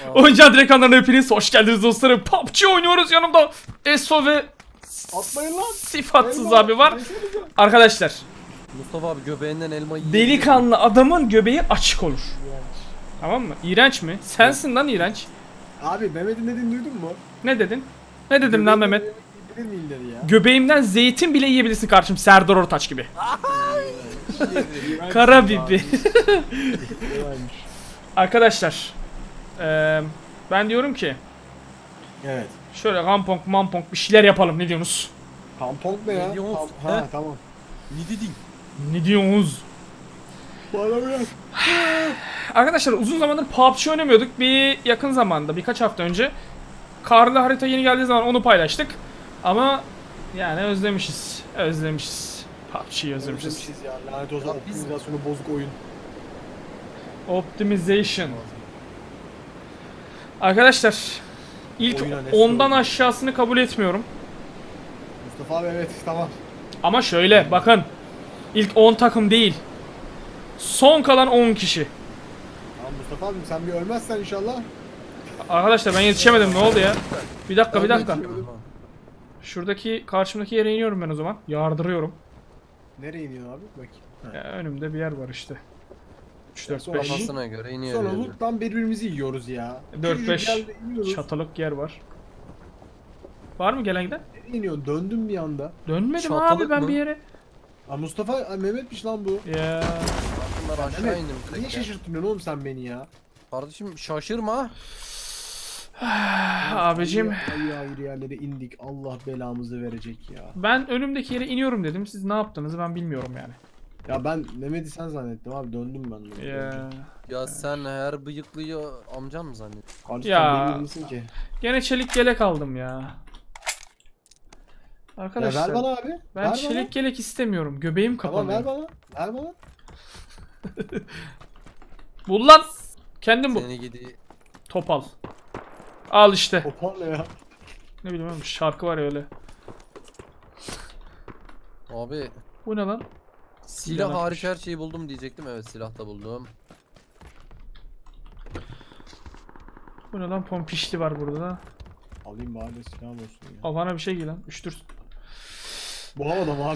Oyuncağı direkt kanalına hepiniz hoş geldiniz dostlarım. PUBG oynuyoruz, yanımda Eso ve atmayın lan. Sifatsız Elma, abi var. Arkadaşlar, Mustafa abi göbeğinden elma yiyor. delikanlı adamın göbeği açık olur. Tamam mı? İğrenç mi? Sensin lan iğrenç. Abi Mehmet'in dediğini duydun mu? Ne dedin? Ne dedim lan Mehmet? Bilir miyim dedi ya. Göbeğimden zeytin bile yiyebilirsin kardeşim, Serdar Ortaç gibi. Kara bibi. Arkadaşlar, ben diyorum ki Evet. şöyle rampong mampong bir şeyler yapalım, ne diyorsunuz? Tampon ne ya? Ne diyorsun? Ha tamam. Ne dedin? Ne diyorsunuz? Bana biraz. Arkadaşlar uzun zamandır PUBG oynamıyorduk. Bir yakın zamanda, birkaç hafta önce karlı harita yeni geldiği zaman onu paylaştık. Ama yani özlemişiz. Özlemişiz. PUBG'yi özlemişiz. Özlemişiz ya. Lanet olsun, optimizasyonu bozuk oyun. Optimization. Arkadaşlar ilk Oyuna ne 10'dan sorun? aşağısını kabul etmiyorum. Mustafa abi evet tamam. Ama şöyle bakın. İlk 10 takım değil. Son kalan 10 kişi. Tamam Mustafa abim sen bir ölmezsen inşallah. Arkadaşlar ben yetişemedim, ne oldu ya? Bir dakika bir Ben dakika. yetişemedim. Şuradaki karşımdaki yere iniyorum ben o zaman. Yardırıyorum. Nereye iniyorsun abi? Bakayım. Ya, önümde bir yer var işte. 3 4 Sonra 5 Kafasına göre iniyor. Sonra yani. loot'tan birbirimizi yiyoruz ya. 4 5 Küçücük yerde iniyoruz. çatalık yer var. Var mı gelen giden? Nereye iniyorsun? Döndüm bir anda. Dönmedim Çatalık abi ben mı? bir yere. Aa Mustafa Mehmet'miş lan bu. Ya Bunlar aşağı Mehmet indim niye direkt ya. şaşırtmıyorsun oğlum sen beni ya? Kardeşim şaşırma. abicim, Hayır hayır yerlere indik. Allah belamızı verecek ya. ben önümdeki yere iniyorum dedim. Siz ne yaptığınızı ben bilmiyorum yani. Ya ben Mehmet'i sen zannettim abi, döndüm ben. Ya Ya sen her bıyıklıyı amcan mı zannediyorsun? Kardeşim Ya. sen misin ki? gene çelik yelek aldım ya. Ya Arkadaşlar ver bana abi. ben ver çelik bana. yelek istemiyorum. Göbeğim Tamam kapanıyor. ver bana. Ver bana. Bul lan. Kendin bul. Seni gidi. Topal. Al işte. Topal ne ya? Ne bileyim oğlum, şarkı var ya öyle. Abi Bu ne lan? silah Silah hariç her şeyi buldum diyecektim. Evet silah da buldum. Bu ne lan? Pompişli var burada da. Alayım bari silah olsun ya. Kafana bir şey giy lan. Üştür. Bu havada mı abi?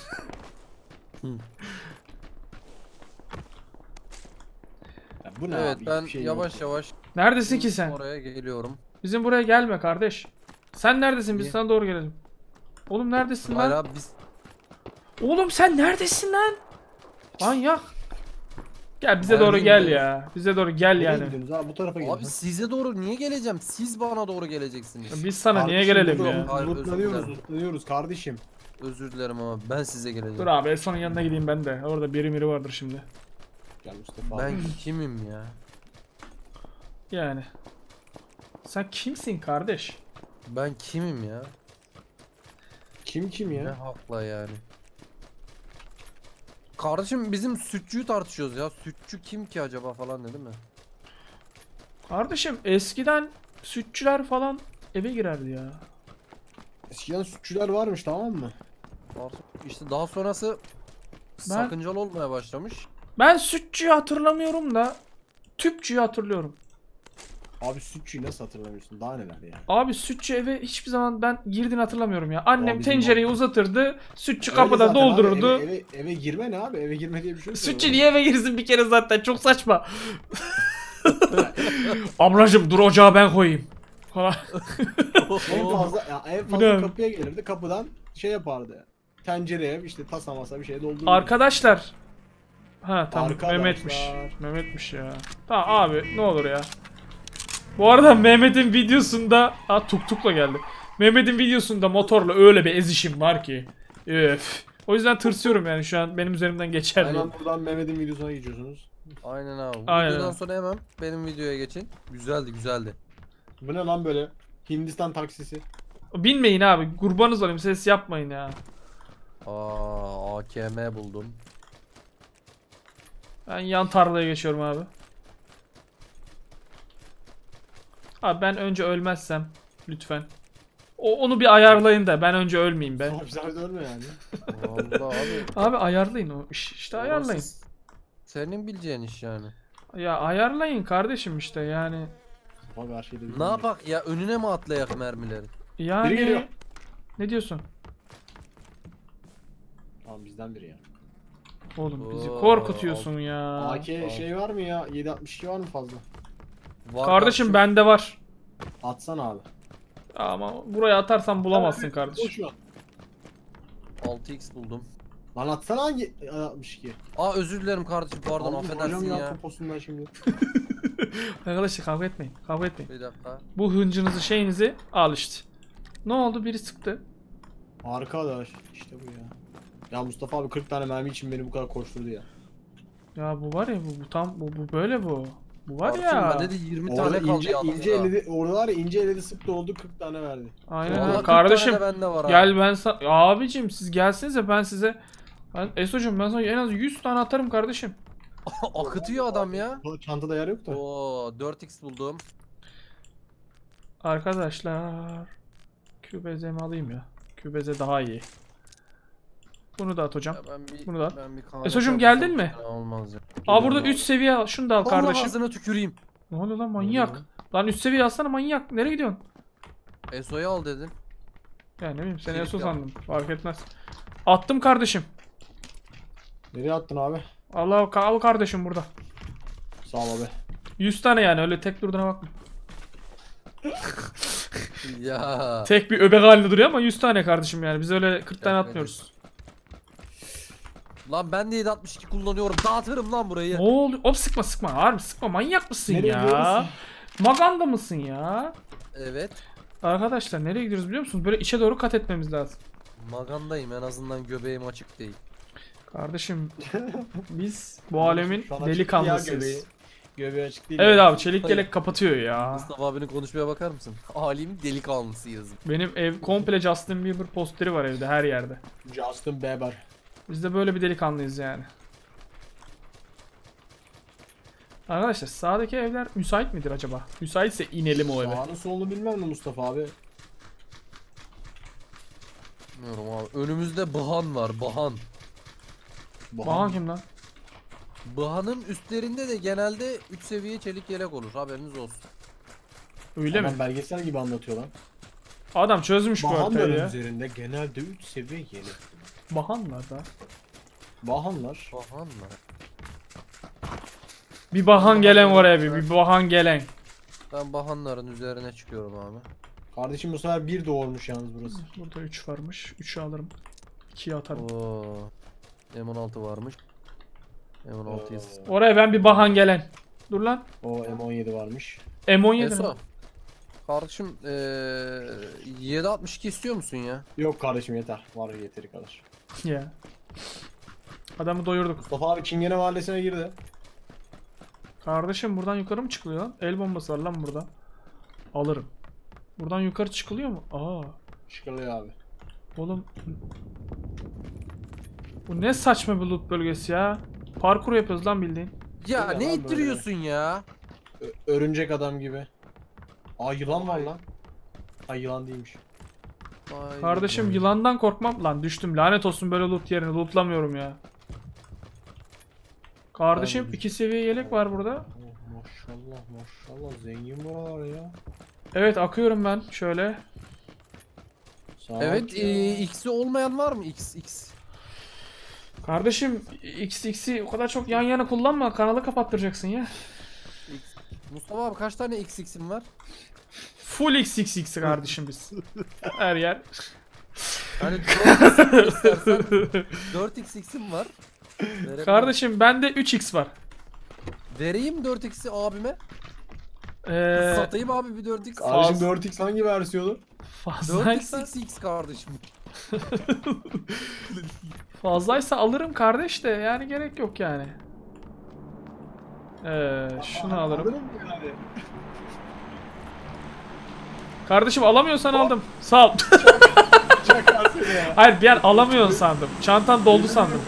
Ya bu ne Evet abi? ben Hiçbir şey yavaş yok. yavaş Neredesin ki sen? oraya geliyorum. Bizim buraya gelme kardeş. Sen neredesin? Biz Niye? sana doğru gelelim. Oğlum neredesin Hayır lan? abi biz Oğlum sen neredesin lan? Manyak. Gel bize Nerede doğru gel gidiyoruz? ya. Bize doğru gel Nereye yani. gidiyorsunuz abi? Bu tarafa gidin. abi size doğru niye geleceğim? Siz bana doğru geleceksiniz. Biz sana niye Kardeşim, gelelim burada ya? Hayır, özür Lootlanıyoruz, dilerim. lootlanıyoruz kardeşim. Özür dilerim ama ben size geleceğim. Dur abi Eson'un yanına gideyim ben de. Orada biri miri vardır şimdi. Gel Mustafa Ben abi. kimim ya? Yani. Sen kimsin kardeş? Ben kimim ya? Kim Ne ya? hakla yani? Kardeşim bizim sütçüyü tartışıyoruz ya. Sütçü kim ki acaba falan dedi mi? Kardeşim eskiden sütçüler falan eve girerdi ya. Eskiden sütçüler varmış tamam mı? İşte daha sonrası sakıncalı olmaya başlamış. Ben sütçüyü hatırlamıyorum da tüpçüyü hatırlıyorum. Abi sütçüyü nasıl hatırlamıyorsun? Daha neler ya? Abi sütçü eve hiçbir zaman ben girdiğini hatırlamıyorum ya. Annem bizim tencereyi o- uzatırdı, sütçü Öyle kapıda zaten abi, doldururdu. eve girme ne abi? Eve girme diye bir şey yok. Sütçü niye eve girsin bir kere zaten, çok saçma. Ablacım dur ocağı ben koyayım. Falan. En fazla, ya en Bu fazla ne? kapıya gelirdi, kapıdan şey yapardı. Tencereye işte tasa masa bir şey doldururdu. Arkadaşlar. Ha tamam, Arkadaşlar. Mehmet'miş. Mehmet'miş ya. Tamam abi ne olur ya. Bu arada Mehmet'in videosunda tuktukla geldi. Mehmet'in videosunda motorla öyle bir ezişim var ki. Öf. O yüzden tırsıyorum yani, şu an benim üzerimden geçer diye. Hemen buradan Mehmet'in videosuna geçiyorsunuz. Aynen abi. Bu Aynen. videodan sonra hemen benim videoya geçin. Güzeldi güzeldi. Bu ne lan böyle? Hindistan taksisi. Binmeyin abi, kurbanınız olayım, ses yapmayın ya. AKM buldum. Ben yan tarlaya geçiyorum abi. Abi ben önce ölmezsem lütfen. Onu bir ayarlayın da ben önce ölmeyeyim be. Abi sen de ölme yani. Vallahi abi. Abi ayarlayın o iş. İşte ayarlayın. Senin bileceğin iş yani. Ya ayarlayın kardeşim işte yani. Mustafa karşıydı. Ne yapak ya, önüne mi atlayak mermileri? Yani Biri geliyor. ne diyorsun? Tamam bizden biri ya. Oğlum bizi Oo, korkutuyorsun ya. AK şey var mı ya? 7.62 var mı fazla? Var Kardeşim bende var. Atsana abi. Ama buraya atarsan bulamazsın Boş kardeşim. ver. 6x buldum. Lan atsana hangi 62? Aa özür dilerim kardeşim, pardon, Aldım, affedersin hocam ya. Poposundan şimdi. Arkadaşlar kavga etmeyin. Kavga etmeyin. Bir dakika. Bu hıncınızı şeyinizi al işte. Ne oldu? Biri sıktı. Arkadaş işte bu ya. Ya Mustafa abi 40 tane mermi için beni bu kadar koşturdu ya. Ya bu var ya bu tam bu böyle bu. Bu var Kardeşim, ya. bende de 20 Orada tane kaldı ince, yalnız ince ya. eledi, orada var ya ince eledi sıktı oldu 40 tane verdi. Aynen Vallahi öyle. 40 tane Kardeşim de bende var gel ben sana abicim siz gelsenize ben size Eso'cum ben sana en az 100 tane atarım kardeşim. Akıtıyor adam ya. Çantada yer yok da. Oo 4x buldum. Arkadaşlar QBZ'mi alayım ya. QBZ daha iyi. Bunu da at hocam. Ya ben bir, Bunu da. ben bir Eso'cum geldin mi? Olmaz ya. Aa burada 3 seviye al. Şunu da al Allah kardeşim. ağzına tüküreyim. Ne oluyor lan manyak? Lan 3 seviye alsana manyak. Nereye gidiyorsun? Eso'yu al dedim. Ya ne bileyim seni Kilit Eso yap. sandım. Fark etmez. Attım kardeşim. Nereye attın abi? Allah al kardeşim burada. Sağ ol abi. 100 tane yani öyle tek durduğuna bakma. Ya. Tek bir öbek halinde duruyor ama 100 tane kardeşim yani. Biz öyle 40 tane Evet, atmıyoruz. Lan ben de 762 kullanıyorum. Dağıtırım lan burayı. Ne oldu? Hop sıkma sıkma. Harbi sıkma. Manyak mısın Nereye ya? gidiyorsun? Maganda mısın ya? Evet. Arkadaşlar nereye gidiyoruz biliyor musunuz? Böyle içe doğru kat etmemiz lazım. Magandayım, en azından göbeğim açık değil. Kardeşim biz bu alemin Şu an açık değil ya delikanlısıyız. göbeği. Göbeği açık değil. Evet ya. abi çelik yelek kapatıyor ya. Mustafa abinin konuşmaya bakar mısın? Alemin delikanlısıyız. Benim ev komple Justin Bieber posteri var evde her yerde. Justin Bieber. Biz de böyle bir delikanlıyız yani. Arkadaşlar sağdaki evler müsait midir acaba? Müsaitse inelim o eve. Sağını solunu bilmem mi Mustafa abi? Bilmiyorum abi. Önümüzde Bahan var. Bahan. Bahan kim lan? Bahan'ın üstlerinde de genelde 3 seviye çelik yelek olur. Haberiniz olsun. Öyle mi? Adam belgesel gibi anlatıyor lan. Adam çözmüş bu haritayı Bahanların ya. üzerinde genelde 3 seviye yelek. Bahanlar da. Bahanlar. Bahan mı? Bir bahan gelen oraya bir bahan gelen. Ben Bahanların üzerine çıkıyorum abi. Kardeşim bu sefer bir doğurmuş yalnız burası. Burada 3 varmış. 3'ü alırım. 2'yi atarım. Oo. M16 varmış. M16'yı Oraya ben bir bahan gelen. Dur lan. O M17 varmış. M17 mi? Eso. Kardeşim 762 istiyor musun ya? Yok kardeşim yeter. Var yeteri kadar. Ya. Adamı doyurduk. Mustafa abi Çingene Mahallesi'ne girdi. Kardeşim buradan yukarı mı çıkılıyor lan? El bombası var lan burada. Alırım. Buradan yukarı çıkılıyor mu? Aa. Şıkırlıyor abi. Oğlum. Bu ne saçma bir loot bölgesi ya. Parkur yapıyoruz lan bildiğin. Ya Öyle ne lan ittiriyorsun ya? Örümcek adam gibi. Aa yılan var lan. Ay yılan değilmiş. Vay Kardeşim be. yılandan korkmam. Lan düştüm lanet olsun böyle loot yerine. Lootlamıyorum ya. Kardeşim Ben de 2 seviye yelek var burada. Oh, maşallah maşallah zengin buralar ya. Evet akıyorum ben şöyle. Saat Evet ya. X'i olmayan var mı? X. Kardeşim XX'i o kadar çok yan yana kullanma. Kanalı kapattıracaksın ya. Mustafa abi kaç tane XX'in var? Full XXX kardeşim biz. Her yer. Hani 4x istersen 4x'im var. Verebilirim. Kardeşim bende 3x var. Vereyim 4x'i abime. Ee, Satayım abi bir 4x. Kardeşim 4x hangi versiyonu? fazlaysa, 4xxx kardeşim. fazlaysa alırım kardeş de yani gerek yok yani. Şunu alırım. Alırım yani. Kardeşim alamıyorsan aldım. Sağ ol. Çakarsın ya. Hayır bir an alamıyorsun sandım. Çantan doldu sandım.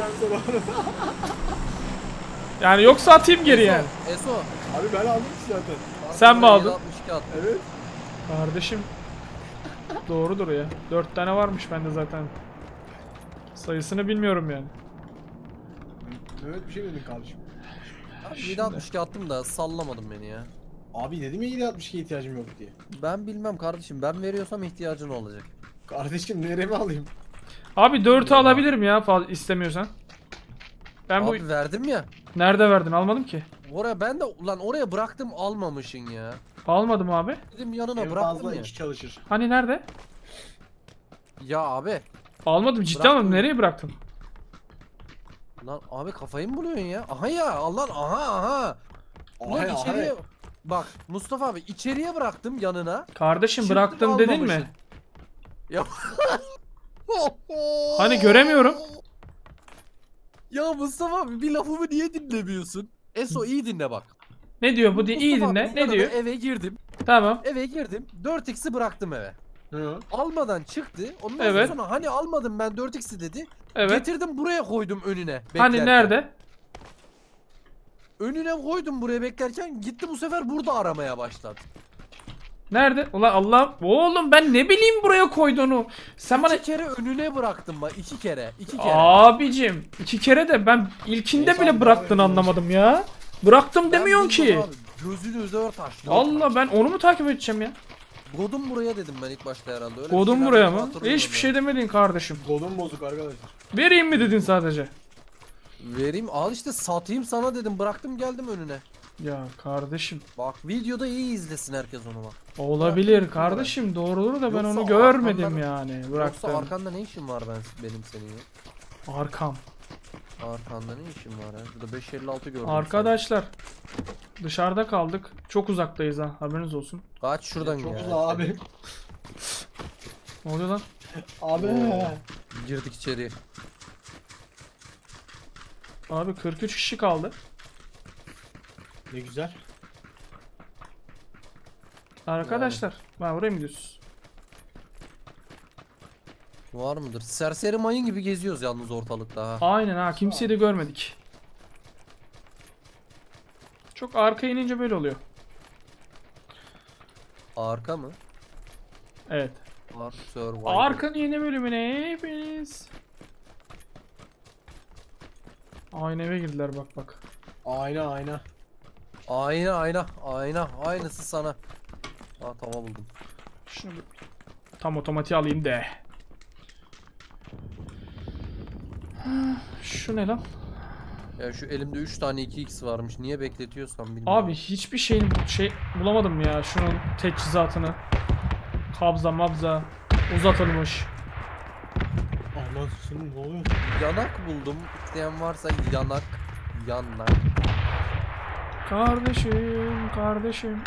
Yani yoksa atayım geri yani. Eso. Abi ben aldım ki zaten. Sen mi aldın? 762 attım. Evet. Kardeşim doğrudur ya. 4 tane varmış bende zaten. Sayısını bilmiyorum yani. Evet bir şey dedin kardeşim. Abi 762 attım da sallamadım beni ya. Abi dedim ya 7.62 ihtiyacım yok diye. Ben bilmem kardeşim. Ben veriyorsam ihtiyacın olacak. Kardeşim nereye mi alayım? Abi 4'ü alabilirim ya fazla istemiyorsan. Ben bu Abi verdim ya. nerede verdin? Almadım ki. Oraya ben de ulan oraya bıraktım almamışın ya. Almadım abi. Dedim yanına En bıraktım fazla ya. 2 çalışır. Hani nerede? Ya abi. Almadım ciddi Bıraktım. almadım. Nereye bıraktın? Lan abi kafayı mı buluyorsun ya? Aha ya Allah aha. Ulan Aha, içeriye aha. bak Mustafa abi içeriye bıraktım yanına. Kardeşim Çıktım, bıraktım dedin mi? almamışsın. Ya. Hani göremiyorum. Ya Mustafa abi bir lafımı niye dinlemiyorsun? Eso iyi dinle bak. Ne diyor bu diye iyi Mustafa dinle. abi Ne yanına diyor? Eve girdim. Tamam. Eve girdim. 4x'i bıraktım eve. Hı. Almadan çıktı. Ondan Evet. sonra hani almadım ben 4x'i dedi. Evet. Getirdim buraya koydum önüne. Hani beklerken. nerede? Önüne koydum buraya beklerken gitti bu sefer burada aramaya başladı. Nerede? Ulan Allah. Oğlum ben ne bileyim buraya koyduğunu. Sen bana... İki kere önüne bıraktım bak 2 kere. 2 kere. Abicim 2 kere de ben ilkinde Neyse bile abi, bıraktığını devam anlamadım ya. Bıraktım Ben demiyorsun ki. bilmiyorum abi, gözünü dört taş. Allah ben onu mu takip edeceğim ya? Godum buraya dedim ben ilk başta herhalde. Öyle bir Kodum şeyler buraya dedim, mı? hatırlıyorum Hiçbir ya. şey demedin kardeşim. Golüm bozuk arkadaşlar. Vereyim mi dedin sadece? Vereyim al işte satayım sana dedim bıraktım geldim önüne. Ya kardeşim. Bak videoda iyi izlesin herkes onu bak. Olabilir Bıraktım kardeşim doğrudur da ben Yoksa onu görmedim arkamdan- yani. Yoksa Bıraktım. arkanda ne işin var benim senin ya? Arkam. Arkanda ne işin var ya? Burada 556 gördüm. Arkadaşlar dışarıda kaldık. Çok uzaktayız ha. Haberiniz olsun. sen. Kaç şuradan Çok ya. uzun abi. Ne oluyor lan? Abi. Girdik içeriye. Abi 43 kişi kaldı. Ne güzel. Arkadaşlar. Ben buraya mı gidiyorsunuz? Var mıdır? Serseri mayın gibi geziyoruz yalnız ortalıkta ha. Aynen ha. Kimseyi de görmedik. Çok arka inince böyle oluyor. Arka mı? Evet. Ark Survivor. Arkanın yeni bölümüne hepiniz. Aynı eve girdiler bak bak. Ayna ayna. Ayna. Aynısı sana. Ha tava buldum. Şunu bir tam otomatiğe alayım de. Şu ne lan? Ya şu elimde 3 tane 2x varmış. Niye bekletiyorsam bilmiyorum. Abi hiçbir şeyin şey bulamadım ya. Şunun teçhizatını. Kabza mabza uzatılmış. Anasını ne oluyor? Yanak buldum. İsteyen varsa yanak. Kardeşim.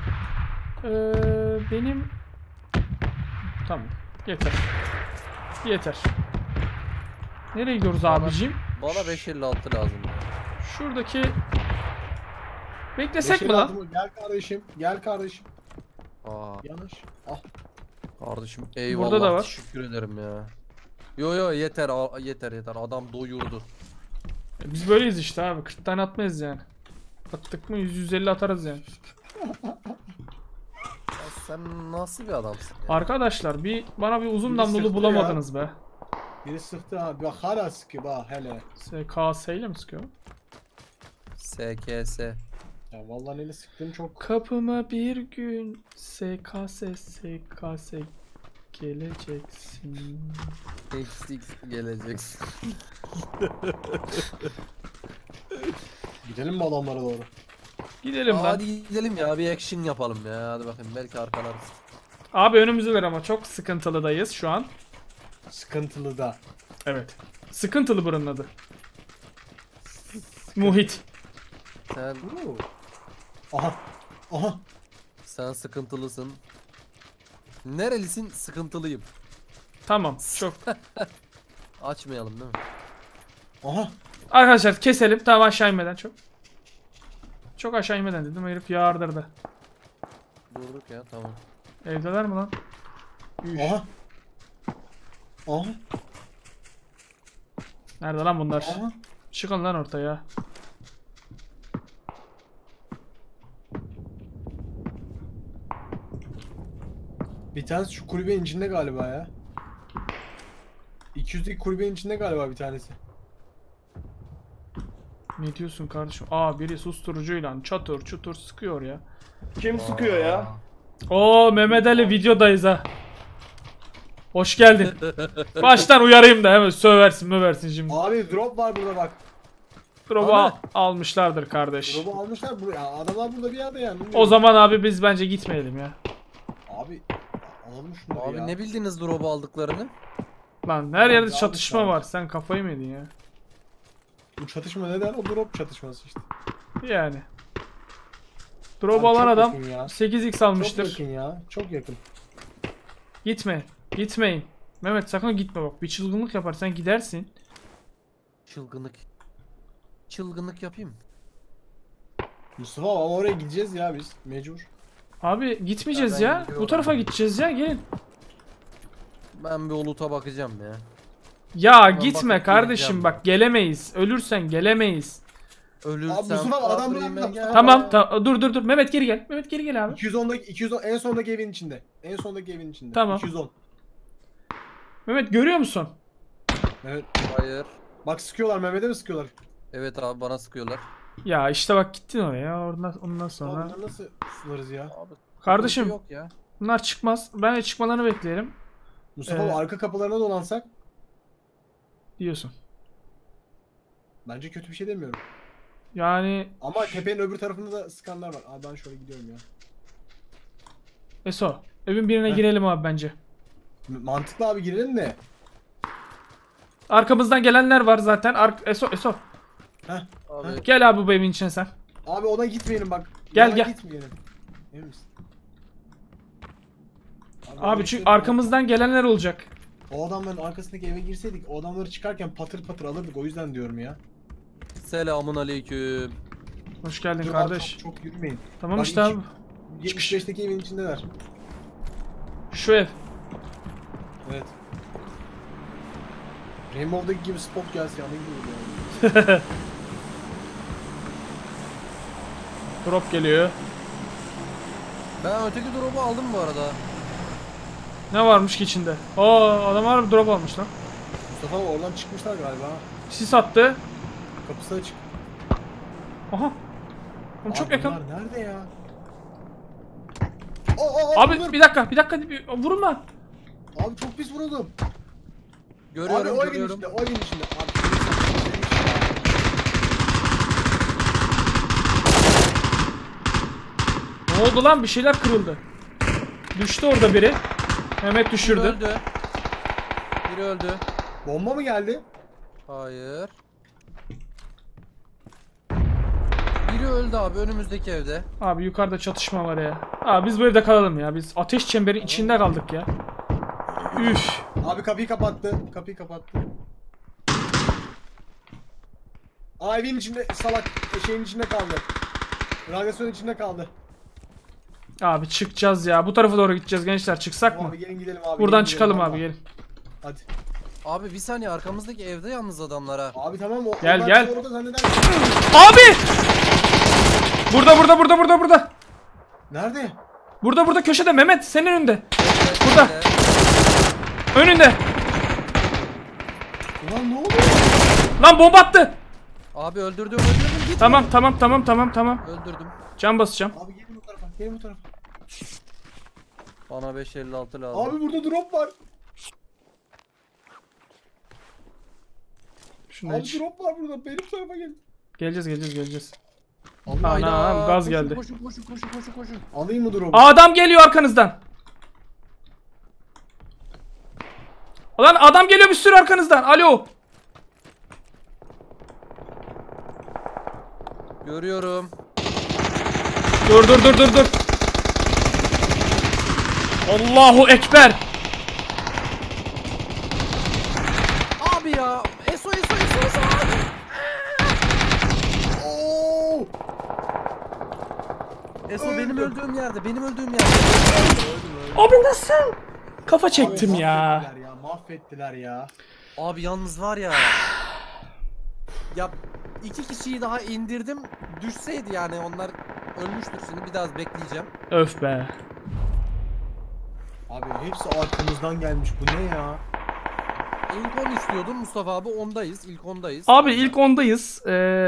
Benim... Tamam. Yeter. Nereye gidiyoruz Bana- abicim? Bana 556 lazım. Şuradaki... Beklesek mi lan? Gel kardeşim. Gel kardeşim. Aa Yanaş. Ah. kardeşim eyvallah. Burada da var. Teşekkür ederim ya. Yo yeter. Adam doyurdu. Biz böyleyiz işte abi. 40 tane atmayız yani. Attık mı 100-150 atarız yani. Ya sen nasıl bir adamsın ya? Arkadaşlar bana bir uzun Biri namlulu sıktı bulamadınız be. Biri sıktı ha. Bak hala sıkıyor bak hele. SKS ile mi sıkıyor? SKS. Ya vallahi neyle sıktığım çok. Kapıma bir gün SKS geleceksin. XX geleceksin. Gidelim mi adamlara doğru? Gidelim lan. Hadi gidelim ya bir action yapalım ya. Hadi bakayım belki arkalarız. Abi önümüzdeler ama çok sıkıntılıdayız şu an. Sıkıntılı da. Evet. Sıkıntılı buranın adı. Muhit. Sen Aha. Aha. sen sıkıntılısın. Nerelisin? Sıkıntılıyım. Tamam. Çok. Açmayalım değil mi? Aha. Arkadaşlar keselim. Tamam aşağı inmeden çok. Çok aşağı inmeden dedim. Herif yağardırdı. Durduk ya tamam. Evdeler mi lan? Aha. Aha. Nerede lan bunlar? Aha. Çıkın lan ortaya. Bir tanesi şu kulübenin içinde galiba ya. 200'deki kulübenin içinde galiba bir tanesi. Ne diyorsun kardeşim? Aa biri susturucuyla çatır çutur sıkıyor ya. Kim sıkıyor ya? Oo Mehmet Ali videodayız ha. Hoş geldin. Baştan uyarayım da hemen söversin şimdi. Abi drop var burada bak. Drop'u Abi. almışlardır kardeş. Drop'u almışlar buraya. Adamlar burada bir yerde yani. O zaman abi biz bence gitmeyelim ya. Abi alalım şunları Abi ya. ne bildiniz drop'u aldıklarını? Lan her yerde Abi, çatışma abi. var. Sen kafayı mı yedin ya? Bu çatışma neden? O drop çatışması işte. Yani. Drop Abi alan çok adam yakın ya. 8x Çok almıştır. yakın ya. Çok yakın. Gitme. Gitmeyin. Mehmet sakın gitme bak. Bir çılgınlık yaparsan gidersin. Çılgınlık. Çılgınlık yapayım. Mustafa ama oraya gideceğiz ya biz. Mecbur. Abi gitmeyeceğiz Ya ben ya. Bu gidiyorum. tarafa gideceğiz ya. Gelin. Ben bir oluta bakacağım ya. Ya Ben gitme bakıp kardeşim geleceğim bak gelemeyiz. Ölürsen gelemeyiz. Ölürsem Mustafa, adam kabrime bırak- gel. Tamam dur. Mehmet geri gel. Mehmet geri gel abi. 210 en sondaki evin içinde. En sondaki evin içinde. Tamam. 210. Mehmet görüyor musun? Evet. Hayır. Bak sıkıyorlar, Mehmet'e mi sıkıyorlar? Evet abi bana sıkıyorlar. Ya işte bak gittin oraya. Ondan Abi sonra. bunları nasıl sınırız ya? Abi, Kardeşim. sıkıntı yok ya. Bunlar çıkmaz. Bence çıkmalarını bekleyelim. Mustafa arka kapılarına dolansak Diyorsun. bence kötü bir şey demiyorum. Yani Ama tepenin öbür tarafında da sıkanlar var. Abi ben şöyle gidiyorum ya. Eso. Evin birine Heh. girelim abi bence. Mantıklı abi, girelim de. Arkamızdan gelenler var zaten. Eso. Heh. Abi Gel abi bu evin içine sen. Abi ona gitmeyelim bak. Gel, Yana gel. Gitmeyelim. Emin misin? Abi çünkü arkamızdan gelenler olacak. O adamların arkasındaki eve girseydik o adamları çıkarken patır patır alırdık, o yüzden diyorum ya. selamun aleyküm. Hoş geldin Dur kardeş. abi, çok yürümeyin. Tamam Bak, işte abi. 75'teki evin içindeler. Şu ev. Evet. Rainbow'daki gibi spot gelse yanı gibi yani. Drop geliyor. Ben öteki drop'u aldım bu arada. Ne varmış ki içinde? Aa adam harbi drop almış lan. Mustafa abi oradan çıkmışlar galiba. Sis attı. Kapısı açık. Aha. Oğlum çok Abi yakın. bunlar nerede ya? Abi bir dakika. Vurma. Abi çok pis vuruldum. Görüyorum Abi o evin görüyorum. içinde, o evin içinde. Abi Ne oldu lan? Bir şeyler kırıldı. Düştü orada biri. Mehmet Biri düşürdü. öldü. Biri öldü. bomba mı geldi? Hayır. Biri öldü abi önümüzdeki evde. Abi yukarıda çatışma var ya. Abi biz bu evde kalalım ya. Biz ateş çemberin içinde kaldık ya. Üf. Abi kapıyı kapattı. Kapıyı kapattı. Aa evin içinde salak şeyin içinde kaldı. Radyasyonun içinde kaldı. Abi çıkacağız ya. Bu tarafa doğru gideceğiz gençler. Çıksak mı? Abi gelin gidelim abi. Buradan gelin çıkalım gidelim abi valla. gelin. Hadi. Abi bir saniye arkamızdaki evde yalnız adamlar ha. Abi tamam o. Gel, onlar gel. bizi orada zanneder. Abi! Burada. Nerede? Burada köşede Mehmet senin önünde. Burada. Önünde. Ulan ne oluyor? Lan bomba attı. Abi öldürdüm git. Tamam. Öldürdüm. Can basacağım. Abi gelin bu tarafa. Gelin bu tarafa. Bana 556 lazım. Abi burada drop var. Şunu Abi iç. drop var burada. Benim tarafa gelin. Geleceğiz. Allah Anam, Hayda, gaz koşun, geldi. Koşun. Alayım mı drop'u? Adam geliyor arkanızdan. Lan adam geliyor bir sürü arkanızdan. Alo. Görüyorum. Dur. Allahu Ekber. Abi ya. Eso. Oo! Eso Öldüm. benim öldüğüm yerde. Abi nasıl? Kafa çektim Abi ya. Mahvettiler ya. Abi yalnız var ya. Ya 2 kişiyi daha indirdim. Düşseydi yani onlar ölmüştür şimdi bir daha bekleyeceğim. Öf be. Abi hepsi arkamızdan gelmiş. Bu ne ya? İlk 10 istiyordun Mustafa abi, ondayız. İlk 10'dayız. Abi ilk 10'dayız.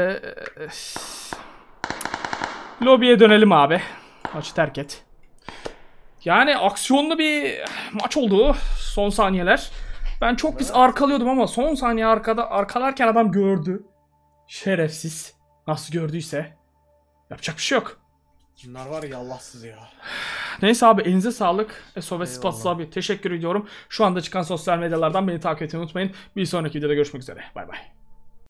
Lobiye dönelim abi. Maçı terk et. Yani aksiyonlu bir maç oldu son saniyeler. Ben çok pis arkalıyordum ama son saniye arkalarken adam gördü. Şerefsiz. Nasıl gördüyse. Yapacak bir şey yok. Bunlar var ya Allahsız ya. Neyse abi elinize sağlık. SOS Eyvallah. Spatsız abi teşekkür ediyorum. Şu anda çıkan sosyal medyalardan beni takip etmeyi unutmayın. Bir sonraki videoda görüşmek üzere. Bay bay.